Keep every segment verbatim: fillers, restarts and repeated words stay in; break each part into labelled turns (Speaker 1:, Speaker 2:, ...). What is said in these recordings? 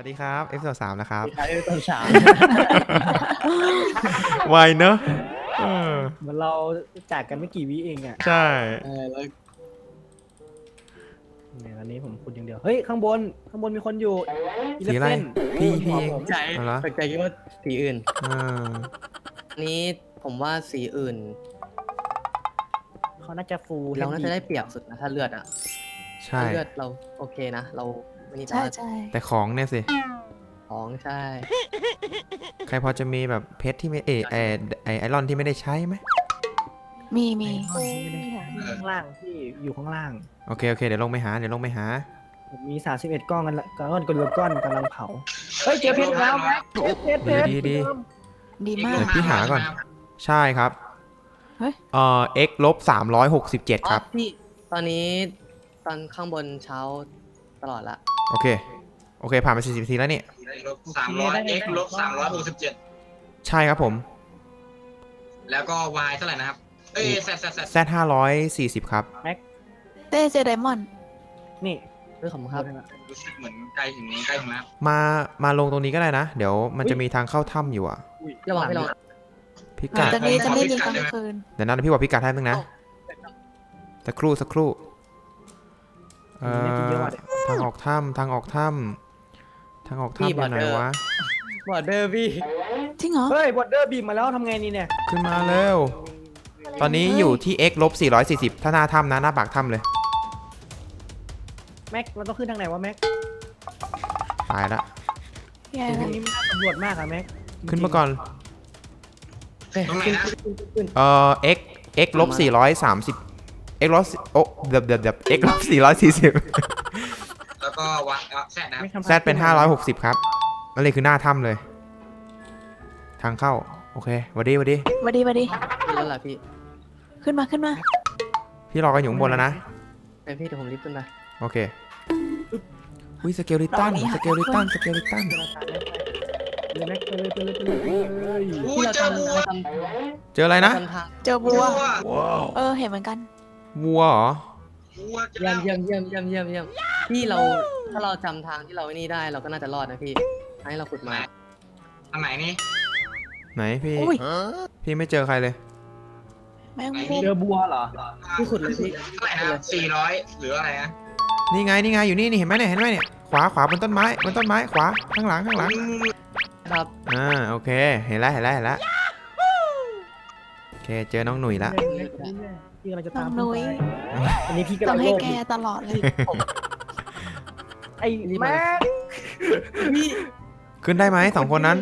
Speaker 1: วัสดีครับ F สามนะครับ
Speaker 2: ใช้ตอนสาม
Speaker 1: ไวเนอะเออ
Speaker 2: เหมือนเราจากกันไม่กี่วิเองอ่ะ
Speaker 1: ใช่
Speaker 2: เออแล้วเนี่ยอันนี้ผมพูดอย่างเดียวเฮ้ยข้างบนข้างบนมีคนอยู่
Speaker 1: สีอะไร
Speaker 2: Eleven
Speaker 1: พี่
Speaker 2: บนหั
Speaker 1: พี่
Speaker 2: ว
Speaker 1: เอง
Speaker 2: ผม
Speaker 3: ใจ
Speaker 1: เอาละ
Speaker 3: ตกใจคิดว่าสีอื่น
Speaker 1: อ่า
Speaker 3: อันนี้ผมว่าสีอื่น
Speaker 2: เขาน่าจะฟู
Speaker 3: เราน่าจะได้เปรียบสุดนะถ้าเลือดอ่ะ
Speaker 1: ใช่
Speaker 3: ถ้าเลือดเราโอเคนะ เราไม่นี่แต่
Speaker 4: ใช่
Speaker 3: ว่า
Speaker 4: ใช่
Speaker 1: แต่ของเนี่ยสิ
Speaker 3: ของใช่
Speaker 1: ใครพอจะมีแบบเพชรที่ไม่เอไอไอไอรอนที่ไม่ได้ใช้ไหม
Speaker 4: มีมี
Speaker 2: ข้างล่างที่อยู่ข้างล่าง
Speaker 1: โอเคโอเคเดี๋ยวลงไปหาเดี๋ยวลงไปหา
Speaker 2: ผมมีสามสิบเอ็ดก้อนกันละก้อนกระดูกก้อนกำลังเผาเฮ้ยเจอเพชรอีกแล้วแม็กเพชรเพชรเพชร
Speaker 1: ดีดี
Speaker 4: ดีมา
Speaker 1: เดี๋
Speaker 4: ก
Speaker 1: ยวพี่หาก่อน ใช่ครับ
Speaker 4: เฮ้ย
Speaker 1: เอ่อ x ลบสามร้อยหกสิบเจ็ดครับ
Speaker 3: อ๋อพี่ตอนนี้ตอนข้างบนเช้าตลอดละ
Speaker 1: โอเค โอเค ผ่านไปสี่สิบนาทีแล้วนี่
Speaker 5: ลบสามร้อย x ลบสามร้อยหกสิบเจ็ด
Speaker 1: ใช่ครับผม
Speaker 5: แล้วก็ y เท่าไหร่นะครับ เอ้ย z z z
Speaker 1: z ห้าร้อยสี่สิบครับ
Speaker 4: เต้เจอไดมอนด์
Speaker 2: นี่
Speaker 3: เรื่องของครับ
Speaker 5: รู้สึกเหมือนใกล้ถึงใกล้ถึงแล้ว
Speaker 1: มา มาลงตรงนี้ก็ได้นะ เดี๋ยวมันจะมีทางเข้าถ้ำอยู่อ่ะ
Speaker 3: ระหว่างที่เรา
Speaker 1: พิกัด
Speaker 4: จะมีจะไม่ยิงกลางคืน
Speaker 1: เดี๋ยวนะเดี๋ยวพี่บอกพิกัดให้นึงนะ สักครู่สักครู่ เอ่
Speaker 2: น่าจะเยอะ
Speaker 1: อ
Speaker 2: ว่ะเดี๋ยว
Speaker 1: ทางออกถ้ำทางออกถ้ำทางออกถ้ำอยู่ไหนวะ
Speaker 3: บอร์เดอร์พี่
Speaker 4: จริงเหรอ
Speaker 2: เฮ้ยบอดเดอร์บีมมาแล้วทำไงนี่เนี่ย
Speaker 1: ขึ้นมาเร็ว ตอนนี้อยู่ที่ x ลบสี่ร้อยสี่สิบถ้าหน้าถ้ำนะหน้าปากถ้ำเลย
Speaker 2: แม็กเราต้องขึ้นทางไหนวะแม็ก
Speaker 1: ตายละ
Speaker 4: แย่
Speaker 2: ต
Speaker 4: เล
Speaker 2: รง
Speaker 4: ย
Speaker 2: นี้มันน่าสำรวจมากอะแม็ก
Speaker 1: ขึ้นมาก่อน
Speaker 5: ตรงไหนนะ
Speaker 1: เอ่อ x x ลบสี่ร้อยสามสิบ x ลบโอ้เดี๋ยวเดี๋ยวเดี๋ยว x ลบสี่ร้อยสี่สิบ
Speaker 5: แล้วก็ว z นะครับ
Speaker 2: ไม่ทำ
Speaker 1: z เป็นห้าร้อยหกสิบครับนั่นเลยคือหน้าถ้ำเลย ทางเข้า โอเคหวัดดีหวัดดี
Speaker 4: มาดีมาดี
Speaker 3: ขึ้นแล้วล่ะพี่
Speaker 4: ขึ้นมาขึ้นมา
Speaker 1: พี่รอกันอยู่ข้างบนแล้วนะ
Speaker 3: ไปพี่เดี๋ยวผมรีบขึ้นมา
Speaker 1: โอเคอุ้ยสเกลลิตันสเกลลิตันสเกลลิตัน
Speaker 2: เลยแม็กไปเลยไปเลยไปเลยไปเลย
Speaker 5: อู้เจอวัว
Speaker 3: เราท
Speaker 1: เจออะไร
Speaker 3: ำ
Speaker 1: นะ
Speaker 3: ทำทาง
Speaker 4: เจอบัว
Speaker 5: วัว
Speaker 4: เออเห็นเหมือนกัน
Speaker 1: วัวเหรอ
Speaker 5: วัวเจอ
Speaker 3: เยี่ย
Speaker 5: แล้
Speaker 3: ม
Speaker 5: ว
Speaker 3: เยี่ยมเยี่ยมเยี่ยมเยี่ยมเยี่ยมพี่เราถ้าเราจำทางที่เราไอ้นี่ได้เราก็น่าจะรอดนะพี่ให้เราขุดมา
Speaker 5: ทางไหนนี่
Speaker 1: ไหนพี่
Speaker 4: อุ้ย
Speaker 1: พี่ไม่เจอใครเลย
Speaker 4: แมงมุม
Speaker 2: เจอบัวเหรอ
Speaker 3: พี่ขุดเลยพี่
Speaker 5: เท่าไหร่นะสี่ร้อยหรืออะไรนะ
Speaker 1: นี่ไงนี่ไงอยู่นี่นี่เห็นไหมเนี่ยเห็นไหมเนี่ยขวาขวาบนต้นไม้บนต้นไม้ขวาข้างหลังข้างหลัง
Speaker 3: ครับ
Speaker 1: อ่าโอเคเห็นแล้วเห็นแล้วเห็นแล้วโอเคเจอน้องหนุ่ยละ
Speaker 2: พี่กำลังจะ
Speaker 4: น้
Speaker 2: ตา
Speaker 4: อ
Speaker 2: ม
Speaker 4: งนุ้ย
Speaker 2: อันนี้พี่กำลั
Speaker 4: ต้อง งให้
Speaker 2: โลภ
Speaker 4: แก
Speaker 2: อยู่
Speaker 4: ตลอดเลย
Speaker 2: ไอ้แม็ก
Speaker 3: พี่
Speaker 1: ขึ้นได้ไหมสองคนนั้น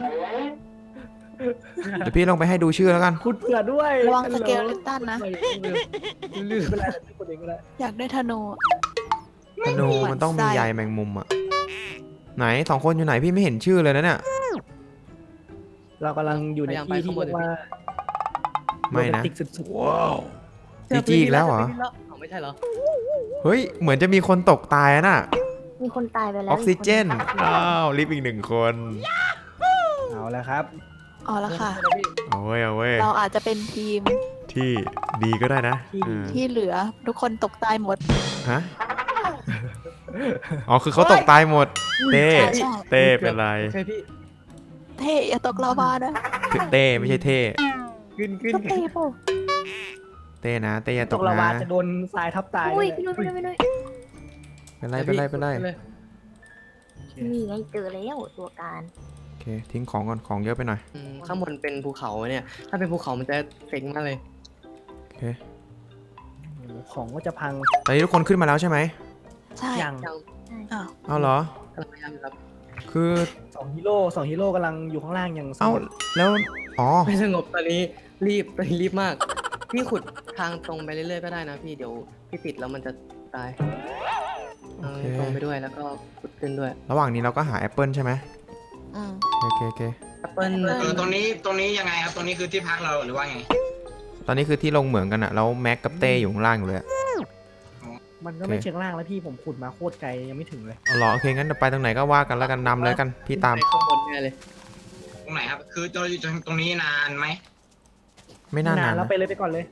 Speaker 1: เดี๋ยวพี่ลงไปให้ดูชื่อแล้วกัน
Speaker 2: ขุดเผื่อด้วย
Speaker 4: ระวังสเกลลิตันนะ
Speaker 2: ลืมไปแล้วคนเองก็ได้
Speaker 4: อยากได้ธนู
Speaker 1: ธนูมันต้องมีใยแมงมุมอะไหนสองคนอยู่ไหนพี่ไม่เห็นชื่อเลยนะเนี่ย
Speaker 2: เรากำลังอยู่ในที่ที่เรียกว่า
Speaker 1: ไม่นะ
Speaker 2: โรแมติกสุด
Speaker 1: จีจีอีกแล้วเหรอ
Speaker 3: อ๋อไม่ใช่เหรอ
Speaker 1: เฮ้ยเหมือนจะมีคนตกตายอะน่ะ
Speaker 6: มีคนตายไปแล้
Speaker 1: อ
Speaker 6: ว
Speaker 1: อกซิเจนอ้าวลิฟต์อีกหนึ่งคน
Speaker 2: ๆเอาแล้วครับ
Speaker 4: อ๋อแล้วค่ะ
Speaker 1: เอาเว้ยเอาเว้ย
Speaker 4: เราอาจจะเป็นทีม
Speaker 1: ที่ดีก็ได้นะ
Speaker 2: ที่ดี
Speaker 1: อ่า
Speaker 4: ที่เหลือทุกคนตกตายหมด
Speaker 1: ฮะอ๋อคือเขาตกตายหมด เต้
Speaker 4: ใช่ใช่
Speaker 1: เต้เป็นไร
Speaker 3: ใช่พี่
Speaker 4: เท่อย่าตกลาวานะ
Speaker 1: เต้ไม่ใช่เท่
Speaker 3: ขึ้นขึ้น
Speaker 4: ก็เท่ป่ะ
Speaker 1: เต้นะเต้อย่า
Speaker 2: ต
Speaker 1: ต
Speaker 2: ก
Speaker 1: ก
Speaker 2: ละ
Speaker 1: นะ
Speaker 2: วาจะโดนทรายทับตาย
Speaker 6: อุ้ย
Speaker 2: เลย
Speaker 6: พี่นุ้ยพี่นุ้ยพี่นุ้ย
Speaker 1: เป็นไรเป็นไรเป็นไร
Speaker 3: เลย
Speaker 6: นี่ไงเจอแล้วตัวการ
Speaker 1: โอเคทิ้งของก่อนของเยอะไปหน่อย
Speaker 3: อืมข้างบนเป็นภูเขาเนี่ย ถ้าเป็นภูเขามันจะเจ๋งมากเลย
Speaker 1: โอเค
Speaker 2: โอ้โหของก็จะพัง
Speaker 1: ตอนนี้ทุกคนขึ้นมาแล้วใช่ไหม
Speaker 4: ใช่
Speaker 2: อย่าง
Speaker 3: ยัง
Speaker 4: อ้าว
Speaker 1: เอาเหรอก
Speaker 3: ำลังพยายามอยู่ครับ
Speaker 1: คือ
Speaker 2: สองฮีโร่สองฮีโร่กำลังอยู่ข้างล่างอย่างส
Speaker 1: เอ้าง
Speaker 2: บ
Speaker 1: แล้วอ๋อ
Speaker 3: ไม่สงบตอนนี้รีบตอนนี้รีบมาก พี่ขุดทางตรงไปเรื่อยๆก็ได้นะพี่เดี๋ยวพี่ติดแล้วมันจะตาย
Speaker 1: โอเค
Speaker 3: เออตรงไปด้วยแล้วก็ขุดขึ้นด้วย
Speaker 1: ระหว่างนี้เราก็หาแอปเปิลใช่ไหม
Speaker 4: อืม
Speaker 1: โอเคโอเค
Speaker 3: แอปเปิ้ล
Speaker 5: เออตรงนี้ตรงนี้ยังไงครับ ตรงนี้คือที่พักเราหรือว่าไง
Speaker 1: ตอนนี้คือที่ลงเหมืองกันอะแล้วแม็กกับเต้อยู่ข้างล่างอยู่เลยอะ
Speaker 2: มันก็ไม่เชิงล่างแล้วพี่ผมขุดมาโคตรไกลยังไม่ถึงเลย
Speaker 1: เอาเหรอโอเคงั้นเดี๋ยวไปตรงไหนก็ว่ากันแล้วกันนำเลยกันพี่ตาม
Speaker 3: ไปข้างบนแน่เลย
Speaker 5: ตรงไหนครับ คือเราอยู่ตรงนี้นานไหม
Speaker 1: ไม่น่านาน
Speaker 2: แล้ว
Speaker 1: นะ
Speaker 2: ไปเลยไปก่อนเลย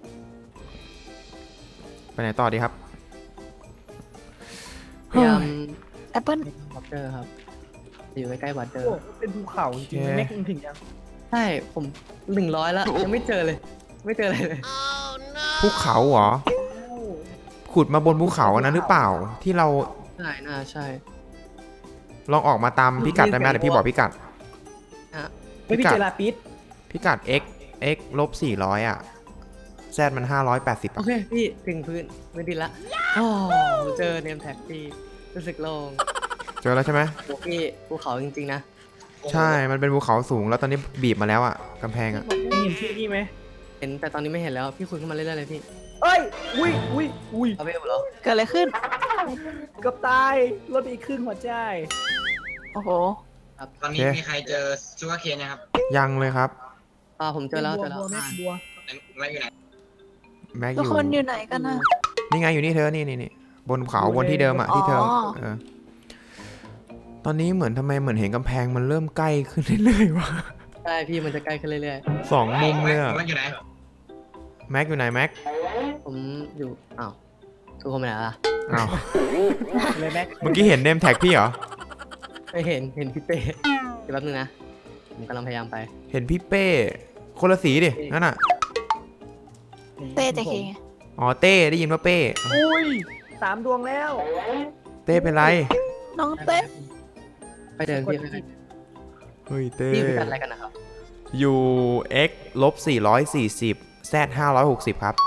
Speaker 1: ไปไหนต่อดีครับ
Speaker 3: พยายาม
Speaker 4: แอปเปิล
Speaker 3: คอปเตอร์ครับอยู่ใกล้ๆวัดเดิ
Speaker 2: โอ้
Speaker 3: ม
Speaker 2: เป็นภูเขาจริงๆแม็กถึงยัง
Speaker 3: ใช่ผมหนึ่งร้อยแล้วยังไม่เจอเลย ไม่เจออะไรเลย
Speaker 1: ภูเขาเหรอ ขุดมาบนภูเขาอันนั้นหรือเปล่า ที่เรา
Speaker 3: ใช่น่าใช่
Speaker 1: ลองออกมาตามพิกัดได้ไหมเดี๋ยวพี่บอกพิกัด
Speaker 2: ไม่พี่เจอลาปิด
Speaker 1: พิกัด x x ลบสี่ร้อยอ่ะ z มันห้าร้อยแปดสิบ
Speaker 3: โอเคพี่ถึงพื้นไม่ดินละโอ้เจอเนมแท็กพี่รู้สึกโล่ง
Speaker 1: เจอแล้วใช่ไหม
Speaker 3: โอ้พี่ภูเขาจริงๆนะ
Speaker 1: ใช่มันเป็นภูเขาสูงแล้วตอนนี้บีบมาแล้วอ่ะกำแพงอ่ะ
Speaker 2: เห็นชื่อพี่ไหม
Speaker 3: เห็นแต่ตอนนี้ไม่เห็นแล้วพี่คุยเข้ามาเรื่อยๆเลยพี่
Speaker 2: เอ้ยอุ้ยอุ้ยอุ้ย
Speaker 3: เอาไปเหรอ
Speaker 4: เกิดอะไรขึ้น
Speaker 2: เกือบตายลดไปอีกครึ่งหัวใจ
Speaker 4: โอ้โห
Speaker 5: ตอนนี้มีใครเจอชูการ์เคนนะครับ
Speaker 1: ยังเลยครับ
Speaker 3: อ่าผมเจอแล้วเจอแล้ว
Speaker 2: บัว
Speaker 3: อ่า
Speaker 2: บัว
Speaker 5: ไม่อยู่ไหน
Speaker 1: แม็กอ
Speaker 4: ทุก
Speaker 1: ยู่
Speaker 4: คนอยู่ไหนกันนะ
Speaker 1: นี่ไงอยู่นี่เธอนี่นี่นี่บนเขาบนที่เดิมอ่ะที่เธอ
Speaker 4: อ๋อ
Speaker 1: เออตอนนี้เหมือนทำไมเหมือนเห็นกำแพงมันเริ่มใกล้ขึ้นเรื่อยๆวะ
Speaker 3: ใช่พี่มันจะใกล้ขึ้นเรื่อย
Speaker 1: สองมุมเลยอ่ะ
Speaker 5: แม็กอยู่ไหน
Speaker 1: แม็กอยู่ไหนแม็ก
Speaker 3: ๆผมอยู่อ้าวทุกคนไปไหนล่ะ
Speaker 1: อ้าว
Speaker 2: เลยแม็ก
Speaker 1: เมื่อกี้เห็นเนมแท็กพี่เหรอ
Speaker 3: ไม่เห็นเห็นพี่เต้เดี๋ยวแป๊บนึงนะผมกำลังพยายามไป
Speaker 1: เห็นพี่เป้คนละสีดินั่นอ่ะ
Speaker 4: เต้เจเคไง
Speaker 1: อ๋อเต้ได้ยินว่าเป้
Speaker 2: อุ้ยสามดวงแล้ว
Speaker 1: เต้เป็นไร
Speaker 4: น้องเต้
Speaker 3: ไปเดินพี่ไปเดิน
Speaker 1: เฮ้ยเต้
Speaker 3: พี่พิกัดอะไรกันนะครับ
Speaker 1: อยู่ x ลบสี่ร้อยสี่สิบ z ห้าร้อยหกสิบครับ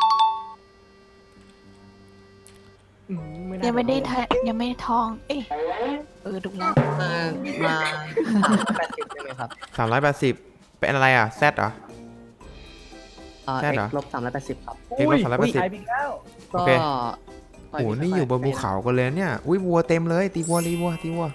Speaker 2: อืน่า
Speaker 4: ยังไม่ได้ทะยังไม่ได้ทอง เอ้ยเออดูแล้ว
Speaker 3: มามาแปดสิบใช่ไหมครับ
Speaker 1: สามร้อยแปดสิบเป็นอะไรอ่ะ z เหรอ
Speaker 3: อ่า
Speaker 1: ใช่
Speaker 3: x
Speaker 1: เหรอ
Speaker 3: ลบสามร้อยแปดสิบครับ
Speaker 1: เอ็กซ์ลบสามร้อยแปดสิบ
Speaker 2: หายไปแล้ว
Speaker 1: โอ
Speaker 3: ก็
Speaker 1: เค
Speaker 3: ค่
Speaker 1: โอ้โหนี่อยู่บนภูเขากันเลยเนี่ย อุ้ยวัวเต็มเลย ตีวัวตีวัวตีวัว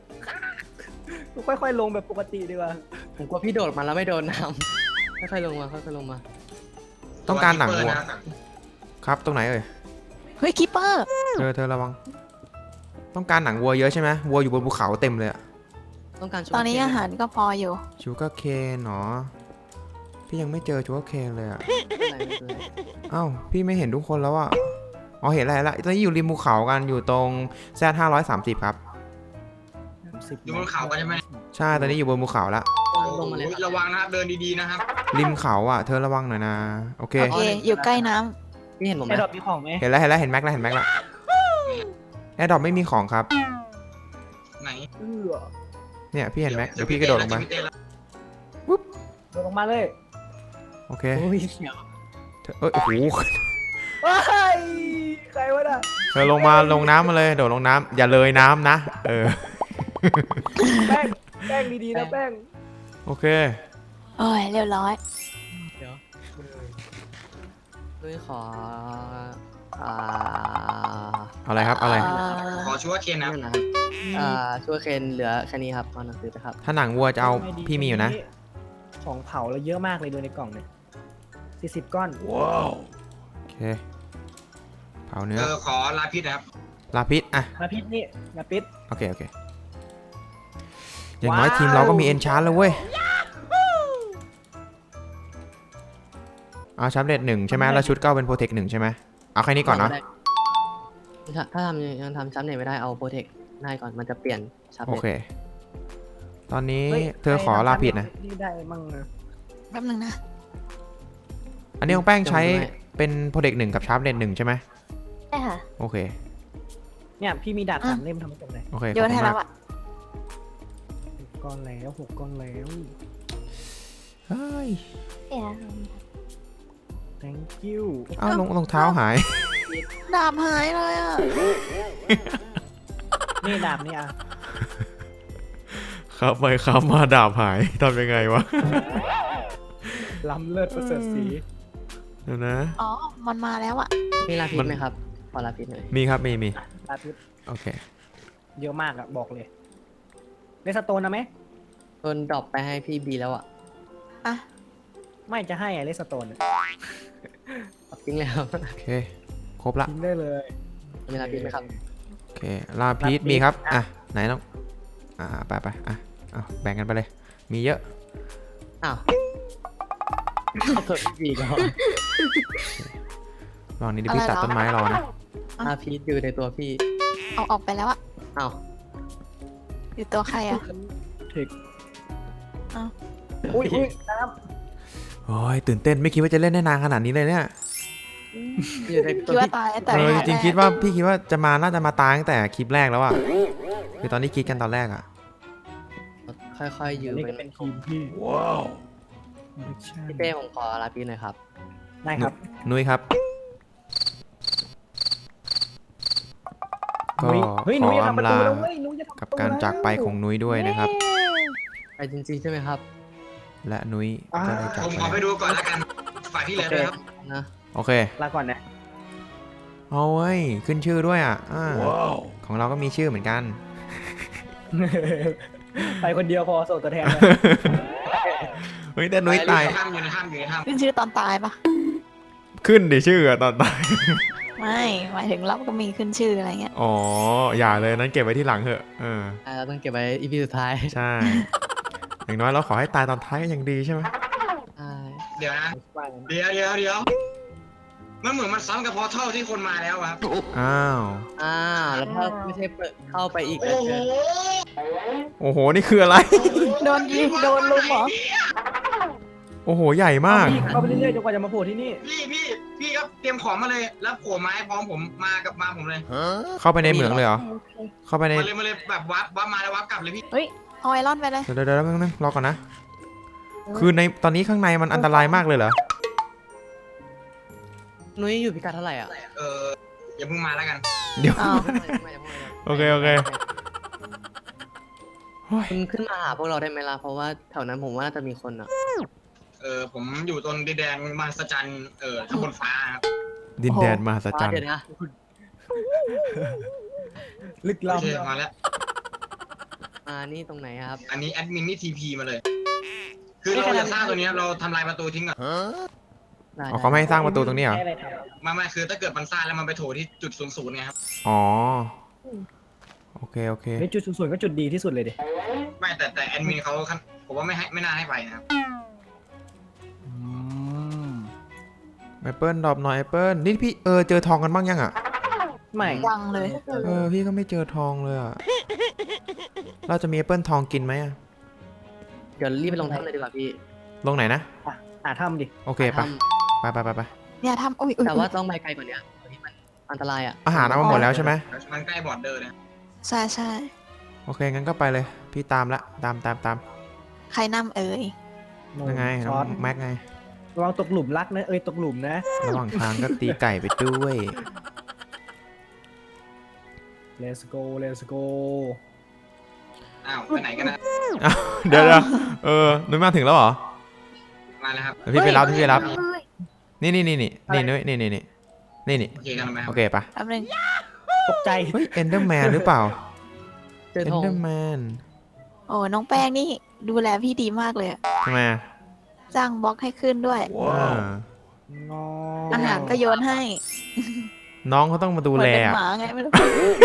Speaker 2: ค่อยๆลงแบบปกติดีกว่า
Speaker 3: ผมกลัวพี่โดดมาแล้วไม่โดนน้ำค่อยๆลงมาค่อยๆลงมา
Speaker 1: ต้องการหนังวัว
Speaker 5: ตัว
Speaker 1: ครับ ตรงไหนเอ่ย
Speaker 4: เฮ้ยคิปเปอร์
Speaker 1: เธอเธอระวัง ต้องการหนังวัวเยอะใช่ไหมวัวอยู่บนภูเขาเต็มเลยอะ
Speaker 3: ต้องการชุด
Speaker 4: ตอนนี้อาหารก็พออยู่
Speaker 1: ชูการ์เคนเนาะพี่ยังไม่เจอชูการ์เคนเลยอะ
Speaker 3: อะไรไม่เป็นไร
Speaker 1: เอ้าพี่ไม่เห็นทุกคนแล้วอะอ๋อเห็นอะไรละตอนนี้อยู่ริมภูเขากันอยู่ตรง z ห้าร้อยสามสิบครับ
Speaker 5: อยู่บนเขากันใช่ไหม
Speaker 1: ใช่ตอนนี้อยู่บนภูเขาละ
Speaker 3: ลงมาเลย
Speaker 5: โอ้ยระวังนะครับเดินดีๆนะครับ
Speaker 1: ริมเขาอะเธอระวังหน่อยนะโอเค
Speaker 4: โอเค อยู่ใกล้น้ำ
Speaker 3: พี่เห็นผมไหม
Speaker 2: ไอ้ดอกมีของไหม
Speaker 1: เห็นแล้วเห็นแล้วเห็นแม็กแล้วเห็นแม็กแล้วแอร์ดรอปไม่มีของครับ
Speaker 5: ไหน
Speaker 2: เออ
Speaker 1: เนี่ยพี่เห็นแม็กเดี๋ยวพี่กระโดดลงไป
Speaker 5: เจอพี่เต้แล้ว
Speaker 2: โดดลงมาเลย
Speaker 1: โอเค
Speaker 3: โอ้ยเสียว
Speaker 1: เธอเอ้ยโอ้โห
Speaker 2: เฮ้ยใครวะน่ะ
Speaker 1: เธอลงมาลงน้ำมาเลยโดดลงน้ำอย่าเลยน้ำนะเออ
Speaker 2: แป้งแป้งดีๆนะแป้ง
Speaker 1: โอเค
Speaker 4: โอ้ยเรียบร้อย
Speaker 3: ด้วยขออ่า
Speaker 1: อะไรครับอะไร
Speaker 4: เอ่อ
Speaker 5: ขอชูการ์เคนนะครับ
Speaker 3: นั่นนะครับอ่าช่วยเคนเหลือแค่นี้ครับเอาหนังสือไปครับ
Speaker 1: ถ้าหนังวัวจะเอาพี่มีอยู่นะ
Speaker 2: ของเผาเราเยอะมากเลยดูในกล่องเนี่ยสี่สิบก้อน
Speaker 1: โอเคเผาเนื้
Speaker 5: เอ
Speaker 1: อ
Speaker 5: อขอลาพิษนะครับ
Speaker 1: ลาพิษอ่ะ
Speaker 2: มาพิษนี่มาพิษ
Speaker 1: โอเคโอเคอย่างน้อยทีมเราก็มีเอนชาร์แล้วเว้ยเอาชับเลดหนึ่งใช่ไหมแล้วชุดก็เป็นโปรเทคหนึ่งใช่ไหมเอาแค่นี้ก่อนเนาะ
Speaker 3: ถ้าถ้าทำยังทำซับเน็ตไม่ได้เอาโปรเทคได้ก่อนมันจะเปลี่ยนซับ
Speaker 1: โอ
Speaker 3: เน็ต
Speaker 1: เค ตอนนี้
Speaker 2: ฮ้ย
Speaker 7: เธอขอลาผิดนะ
Speaker 2: นี่ได้มั่งนะ
Speaker 4: แป๊บนึงนะ
Speaker 1: อันนี้ของแป้งใช้เป็นโปรเด็กหนึ่งกับชาร์ปเลนหนึ่งใช่ไหม
Speaker 6: ใช่ค่ะ
Speaker 1: โอเค
Speaker 2: เนี่ยพี่มีดาบ
Speaker 4: อ่ะ
Speaker 2: สามเล่มทำมาจากไหน
Speaker 1: โอเค
Speaker 4: โยนให้
Speaker 1: ขอบคุณ
Speaker 4: แล้
Speaker 1: มาว ก
Speaker 4: อ่ะ
Speaker 2: หกก้อนแล้วหกก้อนแล้ว
Speaker 1: เฮ้ย
Speaker 6: เนี่ย
Speaker 2: thank you
Speaker 1: เอ้ารองรองเท้าหาย
Speaker 4: ดาบหายเลยอ่ะ
Speaker 2: นี่ดาบนี่อ่ะ
Speaker 1: ครับไปครับมาดาบหายทำยังไงวะ
Speaker 2: ล้ำเลิศประเสริฐสี
Speaker 1: เดี๋ยวนะ
Speaker 4: อ๋อ มันมาแล้วอ่ะ
Speaker 3: มีลาพิษ
Speaker 1: มัน
Speaker 3: ไหมครับขอลาพิษหน่อย
Speaker 1: มีครับมีมี
Speaker 2: ดาบพิษ
Speaker 1: โอเค
Speaker 2: เยอะมากอ่ะบอกเลยเลสโตนนะไหม
Speaker 3: โดนดรอปไปให้พี่บีแล้วอ่ะ
Speaker 4: อ่ะ
Speaker 2: ไม่จะให้อะเลสโตน
Speaker 3: จริงเลยครับ
Speaker 1: โอเค ครบละ
Speaker 2: ทิ้งได้เลย
Speaker 3: มีลาพิษไหมครับ
Speaker 1: โอเค ลาพีทมีครับ อ่ะ ไหนต้อง อ่า ไปไปอ่ะเอาแบ่งกันไปเลย มีเยอะ
Speaker 3: อ้าวเอาเปิดพี่บีก่อน
Speaker 1: ลองนี้ดิพี่ตัดต้นไม้รอนะ
Speaker 3: ลาพิษอยู่ในตัวพี่
Speaker 4: เอาออกไปแล้วอ่ะ
Speaker 3: อ้าว
Speaker 4: อยู่ตัวใครอ่ะ
Speaker 2: เทค
Speaker 4: เอ้า
Speaker 2: อุ้ยอุ้ยน้
Speaker 1: โอ้ยตื่นเต้นไม่คิดว่าจะเล่นได้นานขนาดนี้เลยเนี่ย
Speaker 3: อยู่ใน
Speaker 4: คิ
Speaker 3: ตั
Speaker 4: ด
Speaker 3: ว
Speaker 4: ว่า
Speaker 3: ที่
Speaker 4: ตายแต่
Speaker 1: เออจ
Speaker 4: แก
Speaker 1: ริงๆคิดว่าพี่คิดว่าจะมาน่าจะมาตายตั้งแต่คลิปแรกแล้วอะคือตอนที่คิดกันตอนแรกอะ
Speaker 3: ค่อยๆ
Speaker 2: ำ
Speaker 3: ยืม
Speaker 2: นี่
Speaker 3: เป็
Speaker 2: ก็
Speaker 3: น
Speaker 2: เป็นทีมพี่ว้าว
Speaker 3: พี่เต้ผมขอลาพี่หน่อยครับ
Speaker 2: ได้ครับ
Speaker 1: นุ้ยครับก็
Speaker 2: นุ้ยเฮ้ยหนู
Speaker 1: ขอ
Speaker 2: จะทำประ
Speaker 1: อำ
Speaker 2: ตู
Speaker 1: ลา
Speaker 2: แล้วเว้ยหนูจะทำประ
Speaker 1: กับ
Speaker 2: ตู
Speaker 1: การจากไปของนุ้ยด้วยนะครับ
Speaker 3: ไปจริงๆใช่ไหมครับ
Speaker 1: และนุ้ยก็ได้จาก
Speaker 5: ผม
Speaker 1: ไป
Speaker 5: ขอไปดูก่อนแล้วกันฝ่ายพี่เลยด้วยครับ
Speaker 3: นะ
Speaker 1: โอเค
Speaker 2: ลาก่อนนะ
Speaker 1: เอาเว้ยขึ้นชื่อด้วยอ่ะอ่าของเราก็มีชื่อเหมือนกัน
Speaker 2: ไปคนเดียวพอส่งตัวแทนนะ
Speaker 1: เฮ้ยแต่นุ้ยตาย
Speaker 5: อยู่ในถ้ำอยู่ในถ้ำอยู่ในถ้ำ
Speaker 4: ขึ้นชื่อตอนตายปะ
Speaker 1: ขึ้นดิชื่ออะตอนตาย
Speaker 4: ไม่หมายถึงเราก็มีขึ้นชื่ออะไรเงี้ย
Speaker 1: อ๋ออย่าเลยนั้นเก็บไว้ที่หลังเถอะเออ
Speaker 3: อ่าเราต้องเก็บไว้อีพีสุดท้าย
Speaker 1: ใช่ อย่างน้อยเราขอให้ตายตอนท้ายก็ยังดีใช่ไหม
Speaker 3: ใช่
Speaker 5: เดี๋ยวนะเดี๋ยวเดี๋ยวเดี๋ยวมันเหมือนมันซ้ำกับพอเท่าที่คนมาแล้วอะครับ
Speaker 1: อ้าว
Speaker 3: อ่าแล้วถ้าไม่ใช่เปิดเข้าไปอีก
Speaker 5: โอ้
Speaker 3: แล้ว
Speaker 5: โห
Speaker 3: เจอ
Speaker 1: โอ้โหนี่คืออะไร
Speaker 4: โดนยิงโดนลุมเหรอ
Speaker 1: โอ้โหใหญ่มาก
Speaker 2: พี่เข้าไปเรื่อยๆจนกว่าจะมาโผล่ที่นี่
Speaker 5: พี่พี่พี่ก็เตรียมของมาเลย แล้วโผล่ไม้พร้อมผมมากับมาผมเลย
Speaker 1: เข้าไปในเหมืองเลยเหรอ
Speaker 6: โอเค
Speaker 1: เข้าไปใน
Speaker 5: มาเลยมาเลยแบบวับวับมาแล้ววับกลับเลยพี่
Speaker 4: เฮ้ยเอาไอรอนไปเลย
Speaker 1: เดี๋ยวเดี๋ยวเดี๋ยวแป๊บนึงรอก่อนนะ คือในตอนนี้ข้างในมันอันตรายมากเลยเหรอ
Speaker 3: นุ้ยอยู่พิกัดเท่าไหร่อ่ะ
Speaker 5: เอออย่าเพิ่งมาแล้วกัน
Speaker 1: เดี๋ยว
Speaker 4: อ้าว
Speaker 1: โอเคโอเคโอ้ย
Speaker 3: คุณขึ้นมาหาพวกเราได้ไหมล่ะเพราะว่าแถวนั้นผมว่าน่าจะมีคนอ่ะ
Speaker 5: เออผมอยู่ตรงดินแดนมหัศจรรย์เออข้างบนฟ้าครับ
Speaker 1: ดินแดนมหัศจรรย์
Speaker 3: เดี๋ยวนะ
Speaker 2: ลึก
Speaker 5: โอเค
Speaker 2: ล้ำ
Speaker 5: มาแล้ว
Speaker 3: อ่านี่ตรงไหนอะครับ
Speaker 5: อันนี้แอดมินนี่ทีพีมาเลย คือเราจะสร้างตัวนี้เราทำลายประตูทิ้งก่อน
Speaker 3: ได้
Speaker 1: อ๋อเขาไม่ให้สร้างประตูตรงนี้เหรอ
Speaker 2: ให้อะไรท
Speaker 5: ไม่ไม่คือถ้าเกิดมันสร้างแล้วมันไปโถที่จุดศูนย์ศูนย์ไงครับ
Speaker 1: อ๋อ โอเคโอเค
Speaker 2: ำในจุดสวยๆก็จุดดีที่สุดเลยดิ
Speaker 5: ไม่แต่แต่แอดมินเขาคันผมว่าไม่ให้ไม่น่าให้ไปนะครับ
Speaker 1: แอปเปิลดรอปหน่อยแอปเปิลนี่พี่เออเจอทองกันบ้างยังอ่ะ
Speaker 2: ไม่
Speaker 4: ยังเลย
Speaker 1: เออพี่ก็ไม่เจอทองเลยอ่ะ เราจะมีแอปเปิลทองกินไหมอ่ะ
Speaker 3: เดี๋ยวรีบไปลงถ้ำเลยดีกว่าพี่
Speaker 1: ลงไหนนะ
Speaker 2: หาถ้ำดิ
Speaker 1: โอเคไป
Speaker 3: ถ้ำ
Speaker 1: ไปไปไปไป
Speaker 4: เนี่ยทำอุ้ยอุ้ย
Speaker 3: แต่ว่าต้องไปไกลกว่านี้ตรงนี้มันอันตรายอ่ะ
Speaker 1: อาหารเอามาหมดแล้วใช่ไหม
Speaker 5: มันใกล้บอร์ดเดอร์นะ
Speaker 4: ใช่ใช่
Speaker 1: โอเคงั้นก็ไปเลย พี่ตามละตามตามตาม
Speaker 4: ใครนำเอ่ย
Speaker 1: ยังไงน้
Speaker 2: ซ
Speaker 1: อ
Speaker 2: อง ส
Speaker 1: แม็กไง
Speaker 2: ระวังตกหลุมรักนะ เอ้ยตกหลุมนะ
Speaker 1: ระหว่างทางก็ตีไก่ไปด้วย
Speaker 2: let's go let's go
Speaker 5: อ้าวไปไหนกันนะ
Speaker 1: อ้าวเดี๋ยวเดี๋ยวเออนุ้ยมาถึงแล้วเหรอ
Speaker 5: มาแล้วครับ
Speaker 1: เดี๋ยวพี่ไปรับพี่ไปรับ
Speaker 6: เฮ้ย
Speaker 1: นี่นี่นี่นี่นี่นุ้ยนี่นี่นี่นี่นี่
Speaker 5: โอเคกันไหมครั
Speaker 1: โอบ เคปะ
Speaker 4: แป๊บนึง
Speaker 2: ตกใจ
Speaker 1: เฮ้ยเอนเดอร์แมนหรือเปล่า
Speaker 3: เจอ
Speaker 1: เอน
Speaker 3: ทอง
Speaker 1: เดอร์แมน
Speaker 4: โอ้น้องแป้งนี่ดูแลพี่ดีมากเลยอะ
Speaker 1: ทำไมอ่ะ
Speaker 4: จ้างบล็อกให้ขึ้นด้วย
Speaker 1: อ่า
Speaker 2: งอ
Speaker 4: อาหารก็โยนให้
Speaker 1: น้องเขาต้องมาดู
Speaker 4: เหมือน
Speaker 1: แล
Speaker 4: เป็น
Speaker 1: อะ
Speaker 4: หมาไงไม่รู้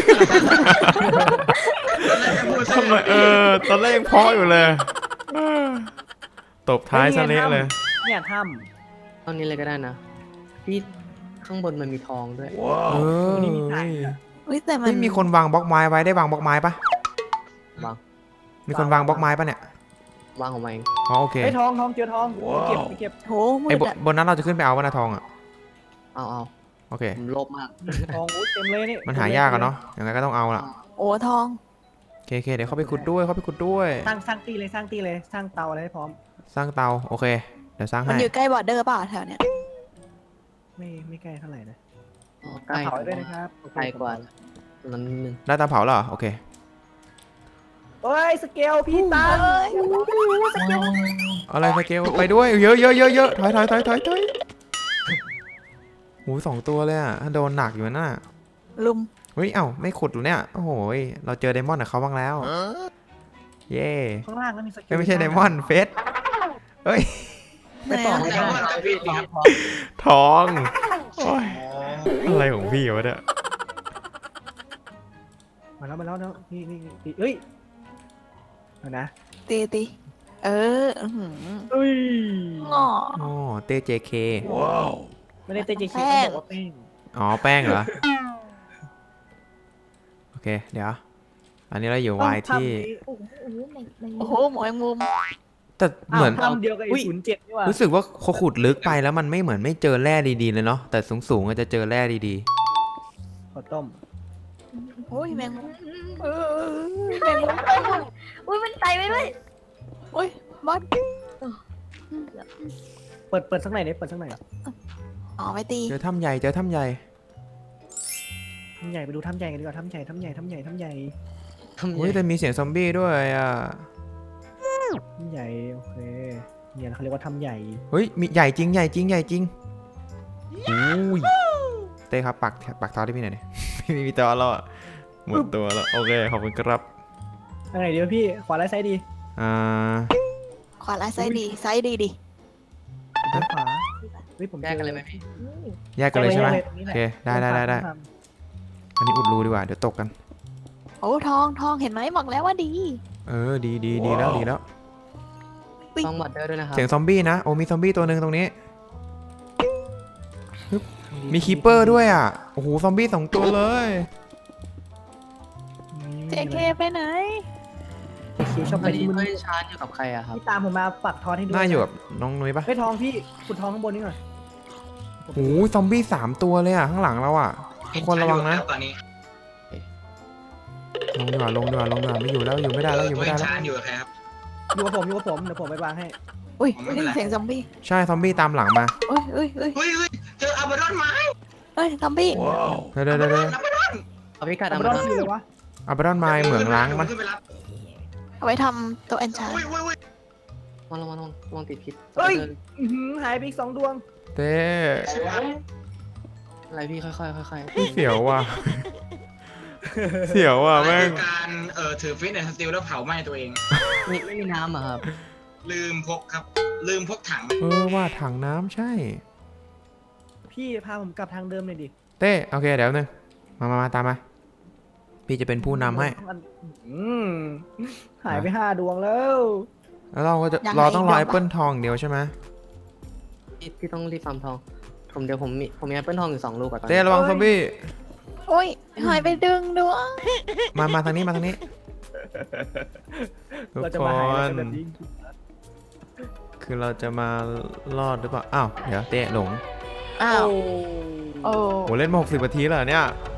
Speaker 1: ทำไมเออตอนแรกยังเพาะอยู่เลยเออตบท้ายซะเละเลย
Speaker 2: เนี่ยถ้
Speaker 3: ตรงนี้เลยก็ได้นะพี่ข้างบนมันมีทองด้วย
Speaker 1: เออ
Speaker 4: อุ้ยแต่มัน
Speaker 1: ไม่มีคนวางบล็อกไม้ไว้ได้วางบล็อกไม้ปะ
Speaker 3: วาง
Speaker 1: มีคนวางบล็อกไม้ปะเนี่ยว
Speaker 3: างของมันเอง
Speaker 1: อ๋อโอ
Speaker 2: ำ
Speaker 1: เค
Speaker 2: ไอ้ยทองทองเจอทองไปเก็บไปเก็บ
Speaker 4: โหมื
Speaker 1: ไอ้
Speaker 4: ด
Speaker 1: บน
Speaker 4: อะ
Speaker 1: บนนั้นเราจะขึ้นไปเอาวะนาทองอ่ะ
Speaker 3: เอาเอา
Speaker 1: โอเค
Speaker 3: ผมโลภมาก
Speaker 2: ทองอุ้ยเต็มเลยนี่
Speaker 1: มันหายากอะเนาะยังไงก็ต้องเอาละ
Speaker 4: โอ้ทอง
Speaker 1: โอเคโอเคเดี๋ยวเข้าไปขุดด้วยเข้าไปขุดด้วย
Speaker 2: สร้างสร้างตีเลยสร้างตีเลยสร้างเตาอะไรให้พร้อม
Speaker 1: สร้างเตาโอเค เดี๋ยวสร้าง
Speaker 4: มัน
Speaker 1: ให้
Speaker 4: อยู่ใกล้บอร์เดอร์เปล่าแถวเนี้ย
Speaker 2: ไม่ไม่ใกล้เท่าไหร่นะ
Speaker 3: อ๋อใกล้
Speaker 2: เผาไว้ด้วยนะครับ
Speaker 3: ใกล้กว่าตรงนั้นนิดนึง
Speaker 1: ได้เตาเผาแล้วเหรอโอเค
Speaker 2: เอ้ยสเกลพี่ตัน
Speaker 4: เอ้ย
Speaker 1: อะไรสเกลไปด้วยเยอะเยอะเยอะเยอะถอยถอยถอยถอยถอยโหสองตัวเลยอ่ะโดนหนักอยู่น่ะ
Speaker 4: ลุม
Speaker 1: เฮ้ยเอ้าไม่ขุดหรอเนี่ยโอ้โหยเราเจอไดมอนด์กับเขาบ้างแล้วเย่
Speaker 2: ข้างล่างก็มีสเกล
Speaker 1: เอ้ยไม่ใช่ไดมอนด์เฟสเฮ้ย
Speaker 2: ไปต่อ
Speaker 4: ไหน
Speaker 2: ไม่
Speaker 4: อะ
Speaker 2: ได้
Speaker 5: แต่ว่าจะผิดครับ
Speaker 1: ทองโอ้ยอะไรของพี่วะเนี่ย
Speaker 2: มาแล้วมาแล้วนะนี่นี่นี่เอ้ยเอานะ
Speaker 4: ตีตีเอออื้อหือ
Speaker 2: เอ้ย
Speaker 4: งอ
Speaker 1: อ๋อเตเจเค
Speaker 2: ไม่ได้เตจิ
Speaker 4: แป้
Speaker 2: คิ
Speaker 4: ง
Speaker 2: เขาบอกว่าแป้ง
Speaker 1: อ๋อแป้งเหรอโอเคเดี๋ยวอันนี้เราอยู่วายที่
Speaker 6: โอ้โหแมงแมง
Speaker 4: โอ้โหหมอแมงมุม
Speaker 1: แต่เหมือน
Speaker 2: ทำเดียวกับไอ้ศูนย์เจ็ดนี่หว่า
Speaker 1: รู้สึกว่าเขาขุดลึกไปแล้วมันไม่เหมือนไม่เจอแร่ดีๆเลยเนาะแต่สูงๆอาจจะเจอแร่ดี
Speaker 2: ขอต้ม
Speaker 4: โอ้ยแมงมุม
Speaker 6: เออแมงมุมอุ้ยมันไตไปด้วย
Speaker 4: โอ้ยบอส
Speaker 2: เปิดเปิดสักหน่อยดิเปิดสักหน่อย
Speaker 4: อ๋อไปตี
Speaker 1: ๆ เจอถ้ำใหญ่เจอถ้ำใหญ่
Speaker 2: ถ้ำใหญ่ไปดูถ้ำใหญ่กันดีกว่าถ้ำใหญ่ถ้ำใหญ่ถ้ำใหญ่ถ้ำใหญ่
Speaker 3: ทำ
Speaker 1: อุ้ย
Speaker 3: ยังไง
Speaker 1: แต่มีเสียงซอมบี้ด้วยอ่ะ
Speaker 2: ถ้ำใหญ่โอเคเนี่ยเขาเรียกว่าถ้ำใหญ่
Speaker 1: เฮ้ยมีใหญ่จริงใหญ่จริงใหญ่จริงอุ้ยเต้ครับปักปักทอได้พี่หน่อยดิ ไม่มีทอแล้วอ่ะหมดตัวแล้วโอเคขอบคุณครับ
Speaker 2: ทางไหนดีวะพี่ขวาไร้ไซด์ดี
Speaker 1: อ่า
Speaker 4: ขวาและซ้ายดีซ้ายดีดิ
Speaker 2: ซ้ายขวาเฮ้ยผม
Speaker 3: แยกกันเลยไหมพี่
Speaker 1: แยกกันเลยใช่ไหม
Speaker 2: แกตรงนี้
Speaker 1: โอ
Speaker 2: แหละ
Speaker 1: เคได้ได้ได้ได้อันนี้อุดรูดีกว่าเดี๋ยวตกกัน
Speaker 4: โอ้ทองทองเห็นไหมบอกแล้วว่าดี
Speaker 1: เออดีดีดีแล้วดีแล้ว
Speaker 3: ต้องบอดเดอร์ด้วยนะครับ
Speaker 1: เสียงซอมบี้นะโอ้มีซอมบี้ตัวหนึ่งตรงนี้ มีคีปเปอร์ด้วยอ่ะโอ้โหซอมบี้สองตัวเลย
Speaker 4: เจเคไปไหน
Speaker 2: เจเคชอบ
Speaker 3: ต
Speaker 2: ไป
Speaker 3: อนนี้
Speaker 2: ที่มึน
Speaker 3: เฮ้ยชาร์จอยู่กับใครอะครับ
Speaker 2: พี่ตามผมมาปักทอนให้ดู
Speaker 1: น่าอยู่กับน้องนุ้ยปะ
Speaker 2: เฮ้ยทองพี่ขุดทองข้างบนนี่หน่อย
Speaker 1: โอ้โหซอมบี้สามตัวเลยอ่ะข้างหลังเราอ่ะทุกคนระวังนะ
Speaker 5: ตอนนี้
Speaker 1: ลงดีกว่าลงดีกว่าลงดีกว่าไม่อยู่แล้วอยู่ไม่ได้แล้วอยู่
Speaker 5: ตัว
Speaker 1: ไม่
Speaker 5: เอ
Speaker 1: ได้
Speaker 5: ง
Speaker 1: แล้ว
Speaker 5: ชาร์จอยู่กับใครครับ
Speaker 2: อยู่กับผมอยู่กับผมเดี๋ยวผมไปวางให้
Speaker 4: อุ้ย
Speaker 5: ผมไม่
Speaker 4: ได้
Speaker 5: เป็นไร
Speaker 4: ยินเสียงซอมบี้
Speaker 1: ใช่ซอมบี้ตามหลังมา
Speaker 4: เอ้ยเอ้ยเอ้ย
Speaker 5: เฮ้ยเฮ้ยเจออาบาดอนไม้
Speaker 4: เอ้ยซอมบี้
Speaker 1: เดี๋ยวเดี๋ยวเดี๋ยวเดี๋ยว
Speaker 5: อาบาดอน
Speaker 3: เอาพิกัด
Speaker 2: เอา
Speaker 3: เอา
Speaker 2: ไป
Speaker 3: มา
Speaker 2: รอดที่เลยวะ
Speaker 1: อับรอนไมล์เหมืองล้างมัน
Speaker 5: ขึ้นไปรับ
Speaker 4: เอาไว้ทำตัวแอนชาร์
Speaker 5: อุ้ยอุ้ยอุ้ย
Speaker 3: ลองลองลองลองติดพิษ
Speaker 2: เฮ้ยอื้อหือหายไปอีกสองดวง
Speaker 1: เต้
Speaker 3: อะไรพี่ค่อยๆค่อย
Speaker 1: เสียวว่ะ เสียวว่ะ
Speaker 5: อะไร
Speaker 1: แม่ง
Speaker 5: คือการเอ่อถือฟิตเนสสติลแล้วเผาไหม้ตัวเอง
Speaker 3: ๆนี่ไม่มีน้ำอะครับ
Speaker 5: ลืมพกครับ ลืมพกถัง
Speaker 1: เออว่าถังน้ำใช่
Speaker 2: พี่พาผมกลับทางเดิมเลยดิ
Speaker 1: เต้โอเคเดี๋ยวนึงมามามาตามมา พี่จะเป็นผู้นำให้
Speaker 2: อืมหายไปห้าดวงแล้ว
Speaker 1: แล้วเราก็จะเราต้องรอแอปเปิลทองอย่างเดียวใช่ไหม
Speaker 3: พี่พี่ต้องรีบฟาร์มทอง ผมเดี๋ยวผมมีผมมีแอปเปิลทองอยู่สองลูกอะตอน
Speaker 1: เต้
Speaker 3: นี้
Speaker 1: ระวังซอมบี้
Speaker 4: โอ้ยหายไปดึงดวง
Speaker 1: มามาทางนี้มาทางนี้ทุก
Speaker 2: เราจะ
Speaker 1: ค
Speaker 2: มาหาย
Speaker 1: น
Speaker 2: กันแบบนี้
Speaker 1: คือเราจะมารอดหรือเปล่าอ้าวเดี๋ยวเต้หลง
Speaker 4: อ้าวโอ้
Speaker 1: โหเล่นมาหกสิบนาทีแล้วเหรอเนี่ย
Speaker 4: โ